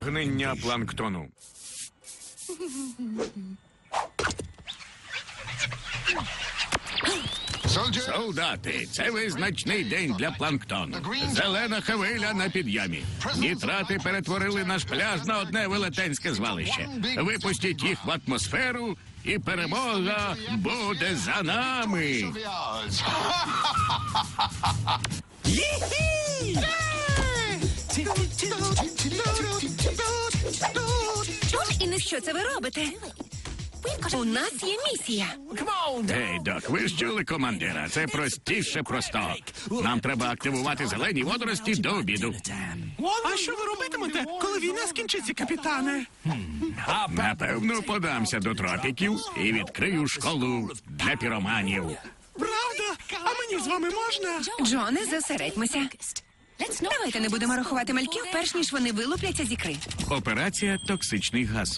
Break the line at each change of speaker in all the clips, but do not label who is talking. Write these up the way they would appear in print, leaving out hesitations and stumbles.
Гнення планктону. Солдати, це визначний день для планктону. Зелена хвиля на підйомі. Нітрати перетворили наш пляж на одне велетенське звалище. Випустіть їх в атмосферу, і перемога буде за нами.
Що це ви робите? У нас є місія.
Ей, Док, ви ж чули командира? Це простіше простого. Нам треба активувати зелені водорості до обіду.
А що ви робитимете, коли війна скінчиться, капітане?
Напевно, подамся до тропіків і відкрию школу для піроманів.
Правда? А мені з вами можна?
Джоне, зосередьмося. Давайте не будемо рахувати мальків, перш ніж вони вилупляться з ікри.
Операція «Токсичний газ».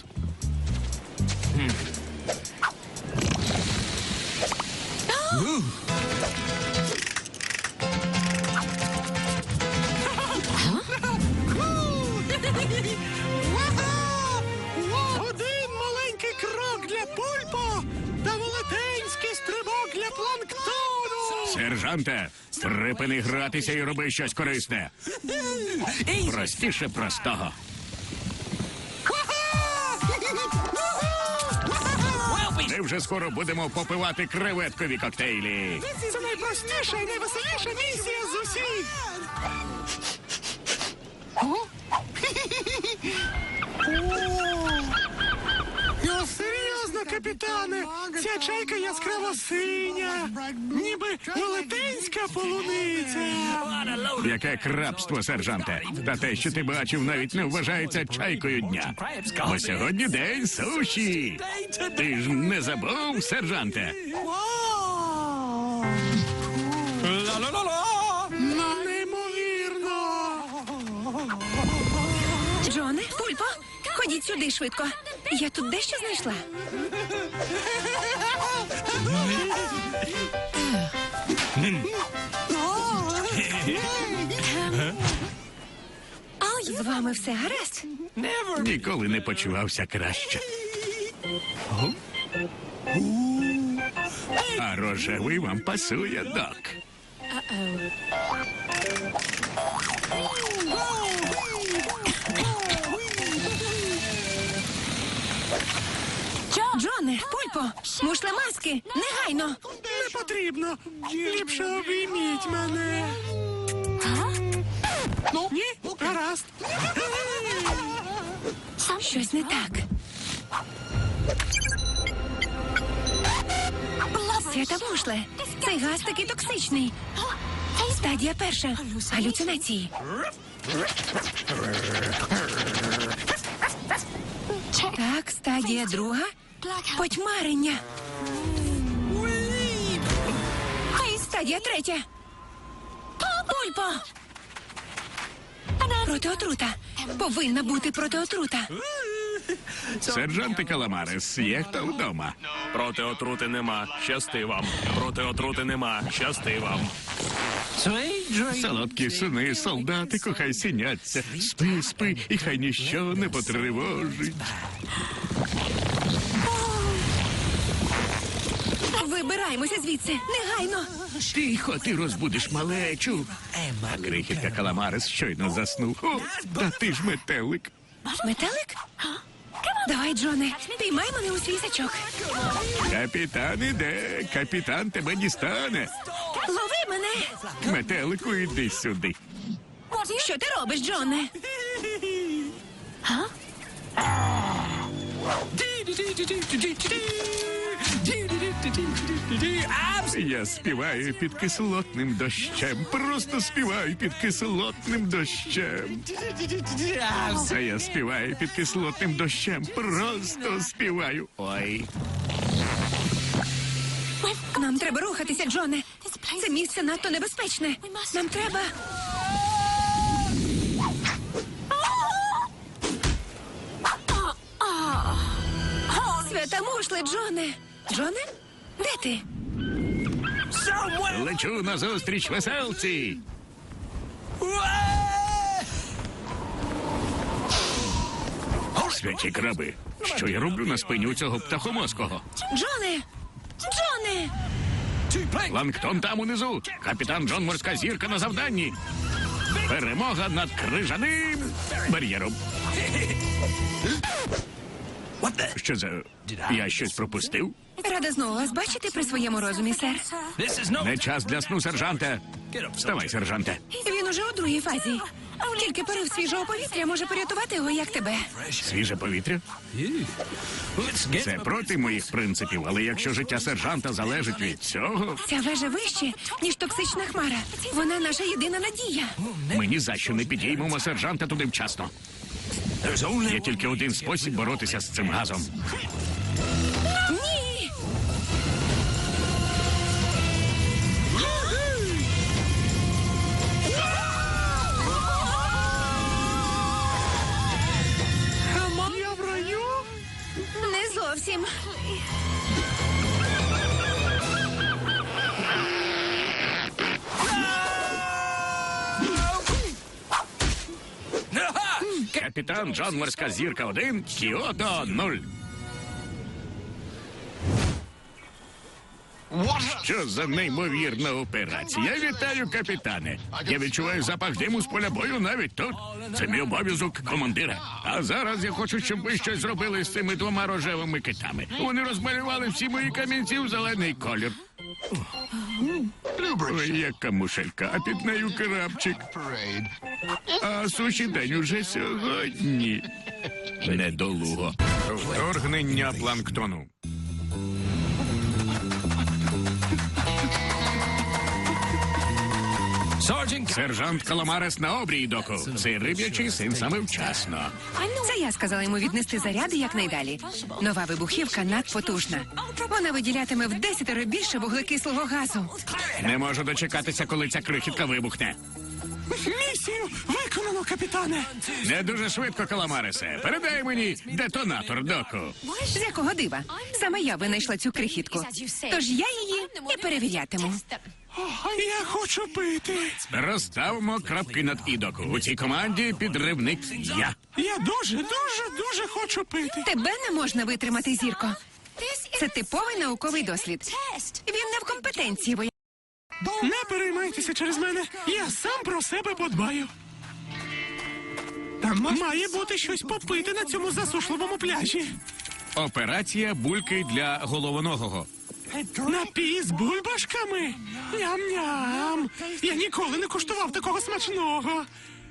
Один маленький крок для Пульпо та велетенський стрибок для планктону.
Сержанте, припини гратися і роби щось корисне. Простіше простого. Ми вже скоро будемо попивати креветкові коктейлі.
Це найпростіша і найвеселіша місія з усіх. Серйозно, капітане, ця чайка яскраво синя, ніби велетенська полуниця.
Яке крабство, сержанте. Та те, що ти бачив, навіть не вважається чайкою дня. Бо сьогодні день суші. Ти ж не забув, сержанте?
Неймовірно.
Джоне, Пульпо, ходіть сюди швидко. Я тут дещо знайшла. З вами все гаразд?
Ніколи не почувався краще. А рожевий вам пасує, Док.
Джоне, Пульпо, мушлемаски, негайно.
Не потрібно. Ліпше обійміть мене. Ні? Гаразд.
Щось не так. Свята мушле, цей газ такий токсичний. Стадія перша. Галюцинації. Так, стадія друга. Потьмарення. Стадія третя. Пульпо. Протиотрута. Повинна бути протиотрута.
Сержанте Каламарес, є хто вдома?
Проти отрути нема. Щасти вам. Проти отрути нема. Щасти вам.
Солодкі сини, солдати, кохай сіняться. Спи, спи, і хай ніщо не потривожить.
Вибираємося звідси. Негайно.
Тихо, ти розбудиш малечу. А крихітка Каламарес щойно заснув. О, та ти ж метелик.
Метелик? Давай, Джоне, піймай мене у свій сачок.
Капітан іде, капітан тебе дістане.
Лови мене.
Метелику, іди сюди.
Що ти робиш, Джоне?
Я співаю під кислотним дощем. Просто співаю під кислотним дощем. А я співаю під кислотним дощем. Просто співаю. Ой.
Нам треба рухатися, Джоне. Це місце надто небезпечне. Нам треба... Свята мушле, Джоне. Джоне? Де ти?
Лечу назустріч веселці. Святі краби. Що я роблю на спині у цього птахомозкого?
Джоне! Джоне!
Планктон там унизу. Капітан Джон Морська зірка на завданні. Перемога над крижаним бар'єром. Що за... Я щось пропустив?
Рада знову вас бачити при своєму розумі, сер.
Не час для сну, сержанте. Вставай, сержанте.
Він уже у другій фазі. Тільки порив свіжого повітря може порятувати його, як тебе.
Свіже повітря? Це проти моїх принципів, але якщо життя сержанта залежить від цього,
Ця вежа вище, ніж токсична хмара. Вона наша єдина надія.
ми ні за що не підіймемо сержанта туди вчасно. Є тільки один спосіб боротися з цим газом.
Ні!
Я в раю?
Не зовсім.
Капітан Джон Морська зірка 1, Кіото 0. Що за неймовірна операція? Вітаю, капітане. Я відчуваю запах диму з поля бою навіть тут. Це мій обов'язок командира. А зараз я хочу, щоб ви щось зробили з цими двома рожевими китами. Вони розмалювали всі мої камінці в зелений колір. Ой, яка мушелька, а під нею крапчик. А суші день уже сьогодні. Недолуго. Вторгнення планктону. Сержант Каламарес на обрій, доку. Цей риб'ячий син саме вчасно.
Це я сказала йому віднести заряди якнайдалі. Нова вибухівка надпотужна. Вона виділятиме в 10 більше вуглекислого газу.
Не можу дочекатися, коли ця крихітка вибухне.
Місію виконано, капітане.
Не дуже швидко, Каламаресе. Передай мені детонатор, доку.
З якого дива? Саме я винайшла цю крихітку. Тож я її і перевірятиму.
Я хочу пити.
Розставимо крапки над «і», доку. У цій команді підривник я.
Я дуже хочу пити.
Тебе не можна витримати, зірко. Це типовий науковий дослід. Він не в компетенції, бо
Не переймайтеся через мене. Я сам про себе подбаю. Там має бути щось попити на цьому засушливому пляжі.
Операція бульки для головоногого.
Напій з бульбашками. Ням-ням. Я ніколи не куштував такого смачного.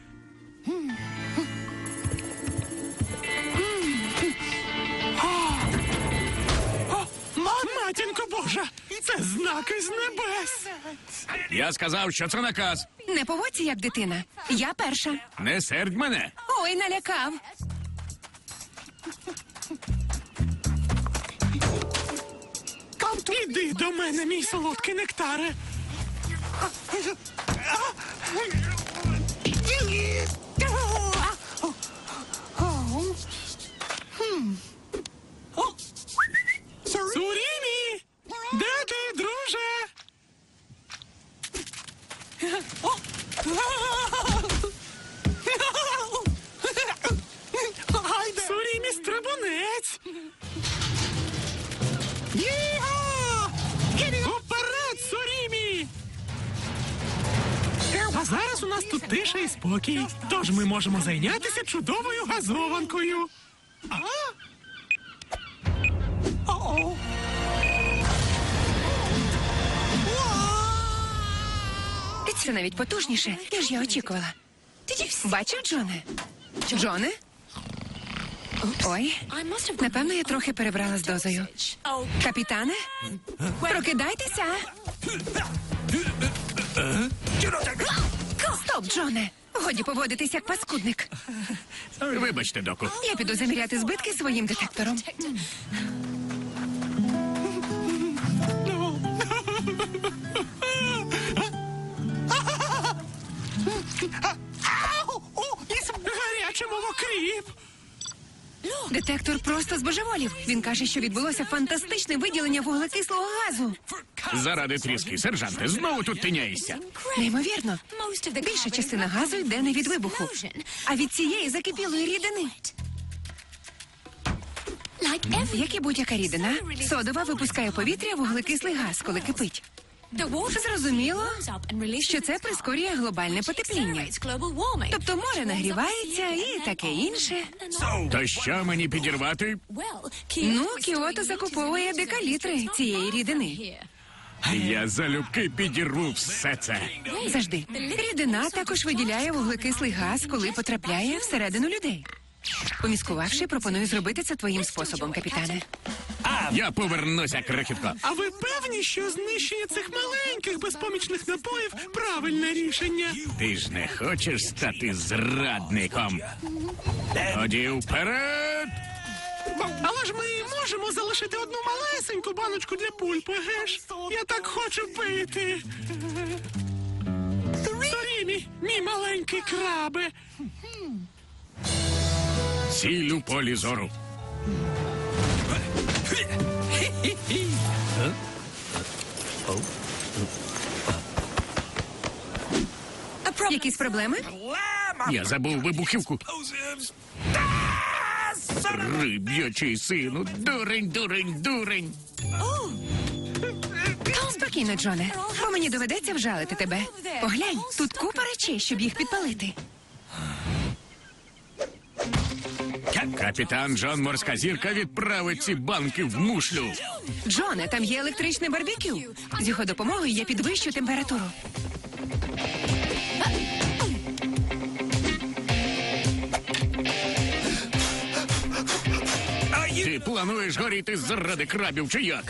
Матінко Божа, це знаки з небес.
Я сказав, що це наказ.
не поводься, як дитина. Я перша.
Не сердь мене.
Ой, налякав.
Іди до мене, мій солодкий нектаре. Сурімі! Де ти, друже? Сурімі стрибунець! Уперед, Сурімі! А зараз у нас тут тиша і спокій. Тож ми можемо зайнятися чудовою газованкою.
Це навіть потужніше, ніж я очікувала. Бачив, Джоне? Джоне? Ой, напевно, я трохи перебрала з дозою. Капітане? Прокидайтеся! Стоп, Джоне! Годі поводитись як паскудник.
Вибачте, доку.
Я піду заміряти збитки своїм детектором.
Гарячий мовокріп!
Детектор просто збожеволів. Він каже, що відбулося фантастичне виділення вуглекислого газу.
Заради тріски, сержанте, знову тут тиняєшся.
Неймовірно. Більша частина газу йде не від вибуху, а від цієї закипілої рідини. Як і будь-яка рідина, содова випускає у повітря вуглекислий газ, коли кипить. Зрозуміло, що це прискорює глобальне потепління. Тобто море нагрівається і таке інше.
То що мені підірвати?
Ну, Кіото закуповує декалітри цієї рідини.
Я залюбки підірву все це.
Завжди. Рідина також виділяє вуглекислий газ, коли потрапляє всередину людей. Поміскувавши, пропоную зробити це твоїм способом, капітане.
Я повернуся, крихітко.
А ви певні, що знищення цих маленьких безпомічних напоїв правильне рішення?
Ти ж не хочеш стати зрадником? Тоді вперед!
Але ж ми можемо залишити одну малесеньку баночку для пульпи, геш? Я так хочу пити. Сорімі, мій маленький крабе.
Сіль у полі зору.
Якісь проблеми?
Я забув вибухівку. Риб'ячий сину, дурень, дурень, дурень.
Спокійно, Джоне, бо мені доведеться вжалити тебе. Поглянь, тут купа речей, щоб їх підпалити.
Капітан Джон Морська зірка відправить ці банки в мушлю.
Джоне, там є електричне барбекю. З його допомогою я підвищу температуру.
Ти плануєш горіти заради крабів чи як?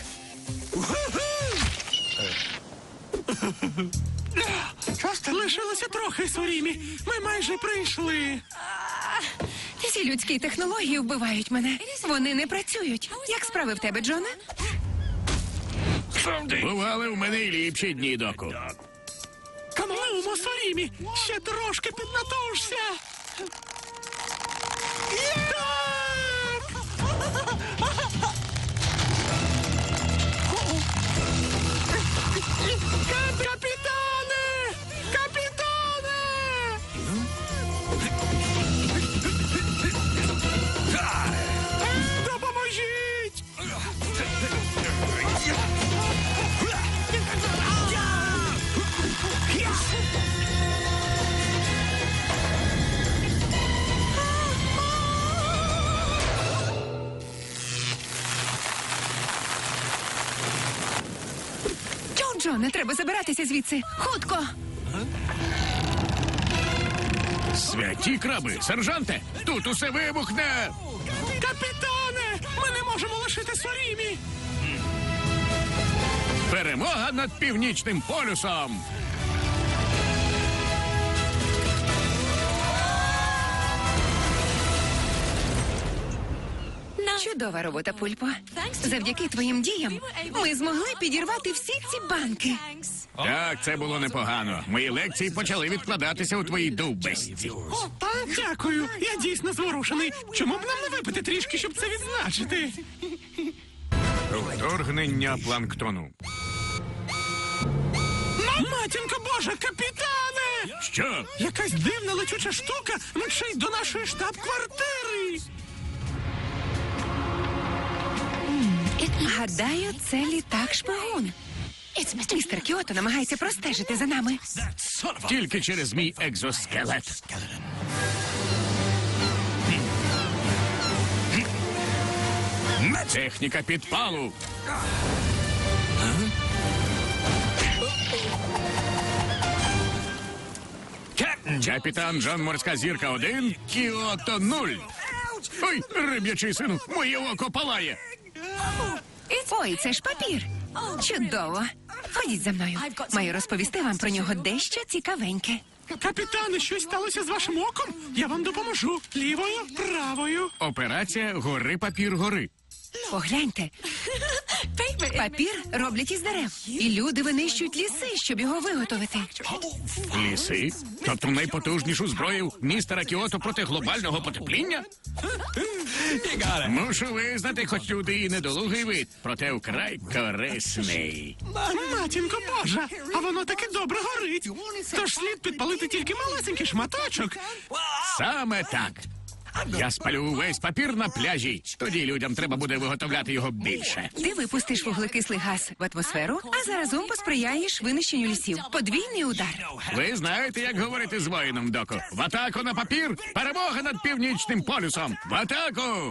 Лишилося трохи, Сорімі. Ми майже прийшли.
Ці людські технології вбивають мене. Вони не працюють. Як справи в тебе, Джоне?
Бували в мене й ліпші дні, доку.
Камалумо, Сорімі, ще трошки піднатужся. Капітане! Капітане! Допоможіть!
Джоне, треба забиратися звідси. Хутко!
Святі краби, сержанте, тут усе вибухне.
Капітане! Ми не можемо лишити Сорімі!
Перемога над Північним полюсом.
Чудова робота, Пульпо. Завдяки твоїм діям ми змогли підірвати всі ці банки.
Так, це було непогано. Мої лекції почали відкладатися у твоїй довбесці.
Дякую, я дійсно зворушений. Чому б нам не випити трішки, щоб це відзначити?
Вторгнення планктону.
Матінко Божа, капітане!
Що?
Якась дивна летюча штука мчить до нашої штаб-квартири.
Гадаю, це літак-шпигун. Містер Кіото намагається простежити за нами.
Тільки через мій екзоскелет. Техніка підпалу. Капітан Джон Морська зірка 1, Кіото 0. Ой, риб'ячий сину, моє око палає.
Ой, це ж папір. Чудово. Ходіть за мною. Маю розповісти вам про нього дещо цікавеньке.
Капітане, щось сталося з вашим оком? Я вам допоможу. Лівою, правою.
Операція «Гори папір гори».
Погляньте. Папір роблять із дерев. І люди винищують ліси, щоб його виготовити.
Ліси? Тобто найпотужнішу зброю містера Кіото проти глобального потепління? Мушу визнати, хоч люди і недолугий вид, проте вкрай корисний.
Матінко Божа, а воно таки добре горить. Тож слід підпалити тільки малесенький шматочок.
Саме так. Я спалю увесь папір на пляжі. Тоді людям треба буде виготовляти його більше.
Ти випустиш вуглекислий газ в атмосферу, а заразом посприяєш винищенню лісів. Подвійний удар.
Ви знаєте, як говорити з воїном, доку. В атаку на папір! Перемога над Північним полюсом! В атаку!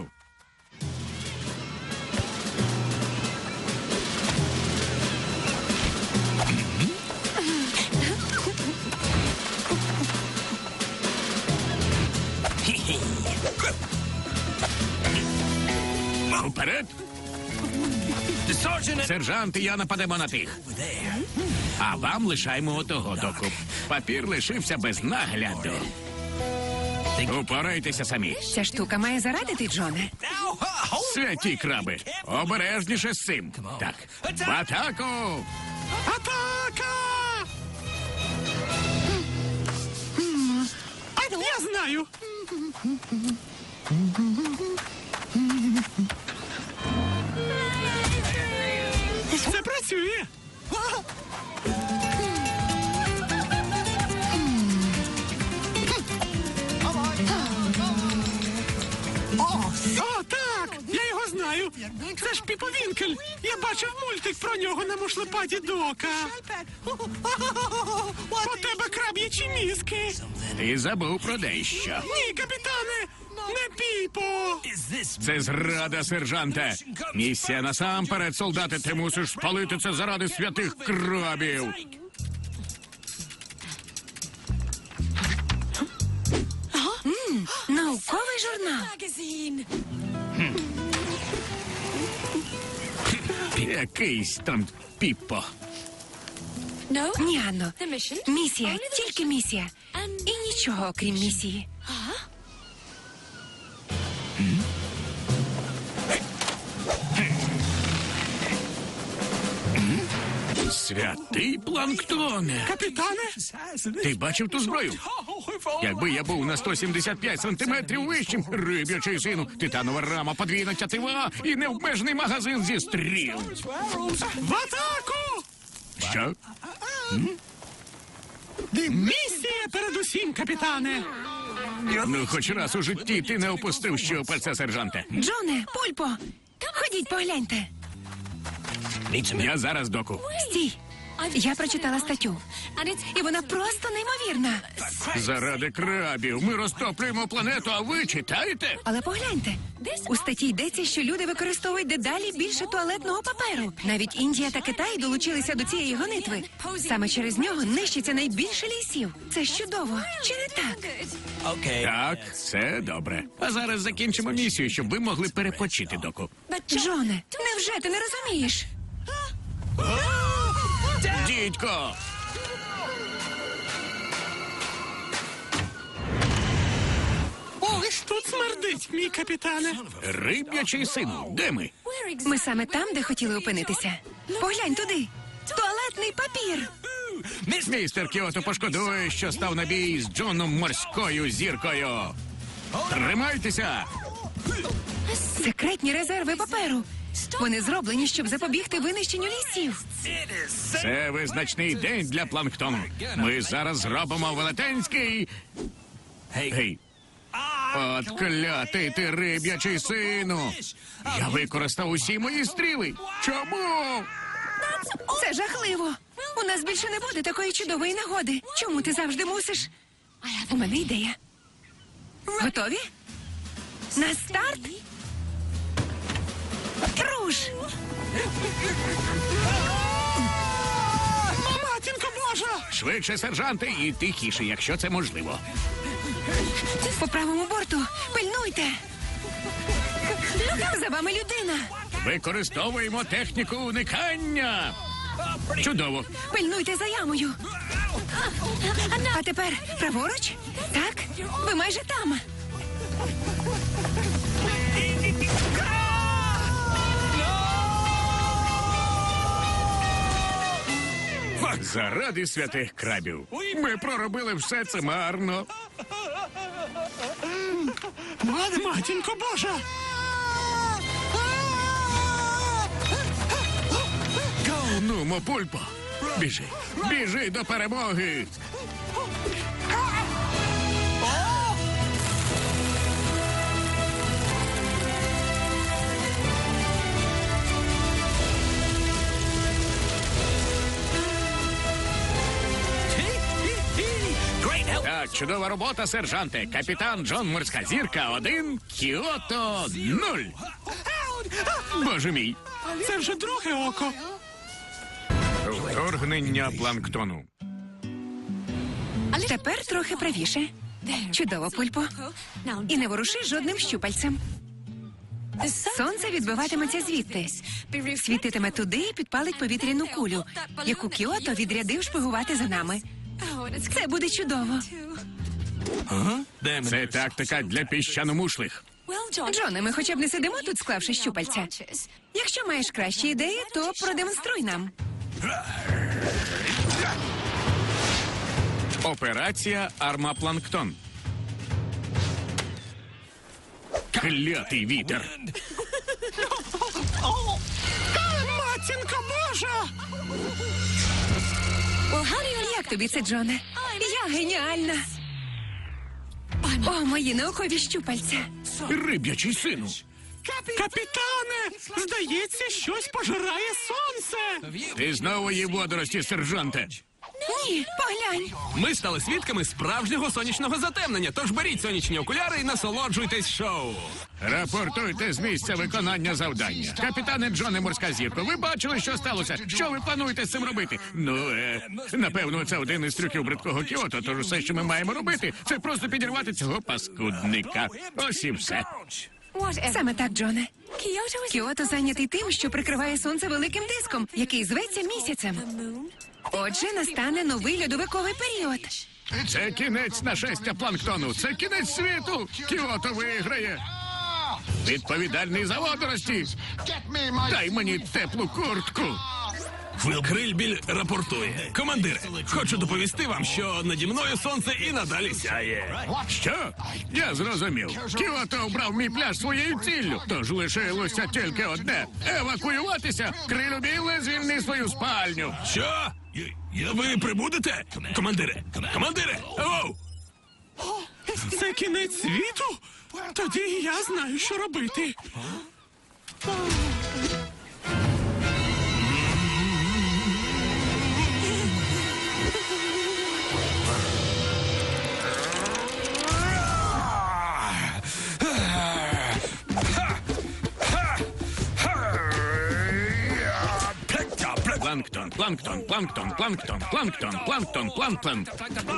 Уперед! Сержант і я нападемо на тих. А вам лишаємо отого, доку. Папір лишився без нагляду. Упорайтеся самі.
Ця штука має зарадити, Джоне.
Святі краби, обережніше з цим. Так, в атаку!
Атака! Я знаю. Це працює. О, так! Я його знаю. Це ж Піпо Вінкель. Я бачив мультик про нього на мушлепаді Дока. У тебе краб'ячі мізки.
Ти забув про дещо.
Ні, капітане, не Піпо.
Це зрада, сержанте. Місія насамперед, солдати, ти мусиш спалити це заради святих крабів.
Науковий журнал.
Якийсь там Піппо.
Ні, Анно. Місія, тільки місія. І нічого, окрім місії.
Святий планктоне.
Капітане?
Ти бачив ту зброю? Якби я був на 175 сантиметрів вищим, риб'ячий сину, титанова рама, подвійна тятива і необмежений магазин зі стріл.
В атаку!
Що?
Місія передусім, капітане.
Ну, хоч раз у житті ти не опустив щупальця, сержанте.
Джоне, Пульпо, ходіть погляньте.
Я зараз, доку.
Стій. Я прочитала статтю. І вона просто неймовірна.
Заради крабів ми розтоплюємо планету, а ви читаєте?
Але погляньте. У статті йдеться, що люди використовують дедалі більше туалетного паперу. Навіть Індія та Китай долучилися до цієї гонитви. Саме через нього нищиться найбільше лісів. Це ж чудово. Чи не так?
Так, це добре. А зараз закінчимо місію, щоб ви могли перепочити, доку.
Джоне, невже ти не розумієш?
Дідько!
Тут смердить, мій капітане.
Риб'ячий сину, де ми?
Ми саме там, де хотіли опинитися. Поглянь туди. Туалетний папір.
Містер Кіото пошкодує, що став на бій з Джоном Морською зіркою. Тримайтеся!
Секретні резерви паперу. Вони зроблені, щоб запобігти винищенню лісів.
Це визначний день для планктону. Ми зараз зробимо велетенський... Гей. От клятий ти риб'ячий сину. Я використав усі мої стріли. Чому?
Це жахливо. У нас більше не буде такої чудової нагоди. Чому ти завжди мусиш? У мене ідея. Готові? На старт? Руш!
Матінко Божа!
Швидше, сержанти, і тихіше, якщо це можливо.
По правому борту. Пильнуйте. За вами людина.
Використовуємо техніку уникання. Чудово.
Пильнуйте за ямою. А тепер праворуч? Так? Ви майже там.
Заради святих крабів. Ми проробили все це марно.
Матінко Божа!
Ну, Пульпо, біжи, біжи до перемоги. Чудова робота, сержанте. Капітан Джон Морська зірка 1, Кіото 0. Боже мій.
Це вже друге око.
Вторгнення планктону.
Тепер трохи правіше. Чудово, Пульпо. І не воруши жодним щупальцем. Сонце відбиватиметься звідти. Світитиме туди і підпалить повітряну кулю, яку Кіото відрядив шпигувати за нами. Це буде чудово.
Це тактика для піщаномушлих.
Джоне, ми хоча б не сидимо тут, склавши щупальця. Якщо маєш кращі ідеї, то продемонструй нам.
Операція Армапланктон. Клятий вітер.
Матінко Божа!
Як тобі це, Джоне? Я геніальна. О, мої наукові щупальця.
Риб'ячий сину.
Капітане, здається, щось пожирає сонце.
Ти знову їв водорості, сержанте.
Ні, поглянь.
Ми стали свідками справжнього сонячного затемнення, тож беріть сонячні окуляри і насолоджуйтесь шоу.
Рапортуйте з місця виконання завдання. Капітане Джоне Морська зірко, ви бачили, що сталося? Що ви плануєте з цим робити? Напевно, це один із трюків бридкого Кіото, тож все, що ми маємо робити, це просто підірвати цього паскудника. Ось і все.
Саме так, Джоне. Кіото зайнятий тим, що прикриває сонце великим диском, який зветься місяцем. Отже, настане новий льодовиковий період.
Це кінець нашестя планктону. Це кінець світу. Кіото виграє. Відповідальний за водорості. Дай мені теплу куртку.
Крильбіль рапортує. Командире, хочу доповісти вам, що наді мною сонце і надалі сяє.
Що? Я зрозумів. Кіото обрав мій пляж своєю ціллю. Тож лишилося тільки одне. Евакуюватися. Крильбіле, звільни свою спальню.
Що? Ви прибудете? Командире! Командире! Оу!
Це кінець світу? Тоді я знаю, що робити.
Планктон, планктон, планктон, планктон, планктон, планктон, планктон.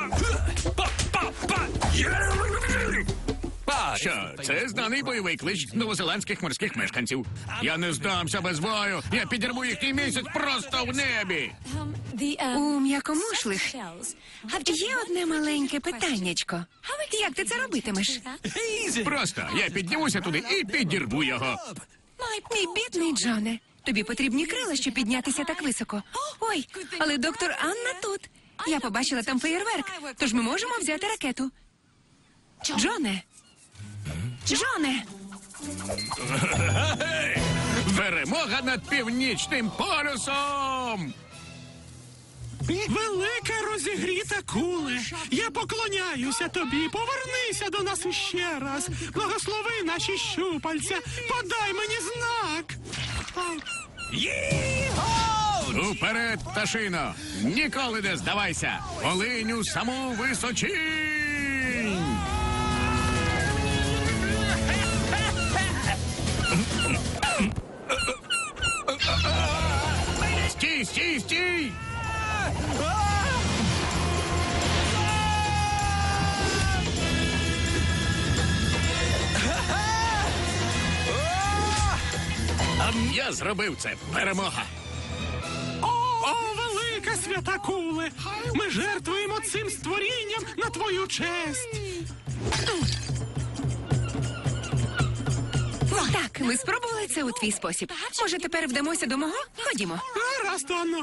Що, це знаний бойовий клич новозеландських морських мешканців. Я не здамся без бою. Я підірву їхній місяць просто в небі.
У м'якомушлих є одне маленьке питаннячко. Як ти це робитимеш?
Просто я піднімуся туди і підірву його.
Мій бідний Джоне, тобі потрібні крила, щоб піднятися так високо. Ой, але доктор Анна тут. Я побачила там феєрверк, тож ми можемо взяти ракету. Джоне! Джоне!
Перемога над північним полюсом!
Велика розігріта куле, я поклоняюся тобі, повернися до нас іще раз, благослови наші щупальця, подай мені знак.
Уперед, пташино! Ніколи не здавайся! Полинь у саму височинь! Стій, стій, стій! Я зробив це. Перемога.
О, велика свята куле, ми жертвуємо цим створінням на твою честь.
Так, ми спробували це у твій спосіб. Може, тепер вдамося до мого? Ходімо.
Гаразд, Анно.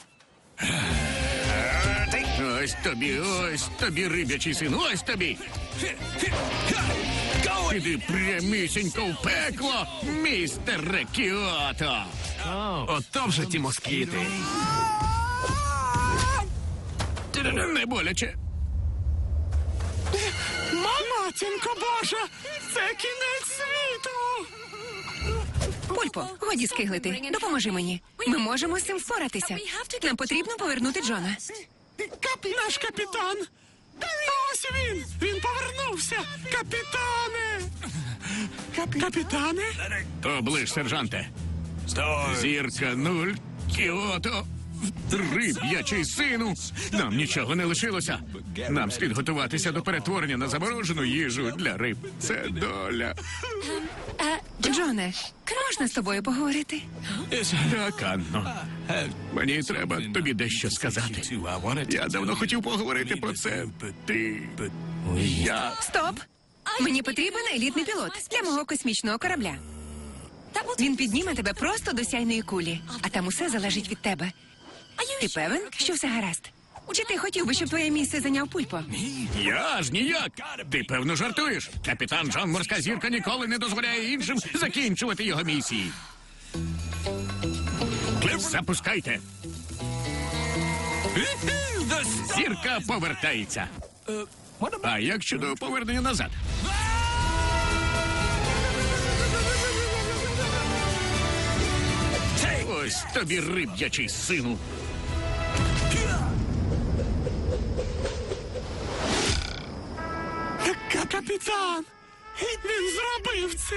Ось тобі, риб'ячий син, ось тобі. Іди прямісінько в пекло, містере Кіото.
Ото вже ті москіти.
Не боляче.
Матінко Божа, це кінець світу.
Пульпо, годі скиглити. Допоможи мені. Ми можемо з цим впоратися. Нам потрібно повернути Джона.
Наш капітан. Ось Ось він! Він повернувся! Капітане! Капітане?
Оближ, сержанте. Зірка 0, Кіото, риб'ячий сину. Нам нічого не лишилося. Нам слід готуватися до перетворення на заморожену їжу для риб. Це доля.
Джоне, можна з тобою поговорити?
Так, Анно. Мені треба тобі дещо сказати. Я давно хотів поговорити про це. Я...
Стоп! Мені потрібен елітний пілот для мого космічного корабля. Він підніме тебе просто до сяйної кулі, а там усе залежить від тебе. Ти певен, що все гаразд? Чи ти хотів би, щоб твоє місце зайняв Пульпо?
Я аж ніяк. Ти, певно, жартуєш. Капітан Джон Морська Зірка ніколи не дозволяє іншим закінчувати його місії. Запускайте. Зірка повертається. А як щодо повернення назад? Ось тобі риб'ячий сину.
Капітан! Він зробив це!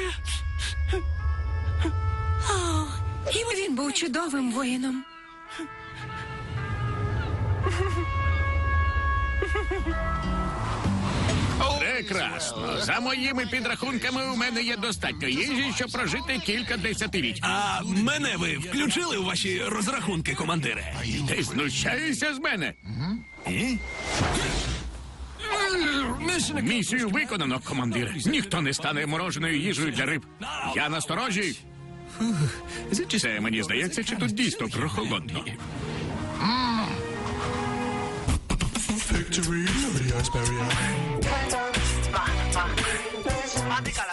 Він був чудовим воїном.
Прекрасно. За моїми підрахунками, у мене є достатньо їжі, щоб прожити кілька десятиліть.
А мене ви включили у ваші розрахунки, командире?
Ти знущаєшся з мене? Місію виконано, командир. Ніхто не стане мороженою їжею для риб. Я на сторожі. Це мені здається, чи тут дійсно прохолодно.
Victory, Liberty, Iceberry.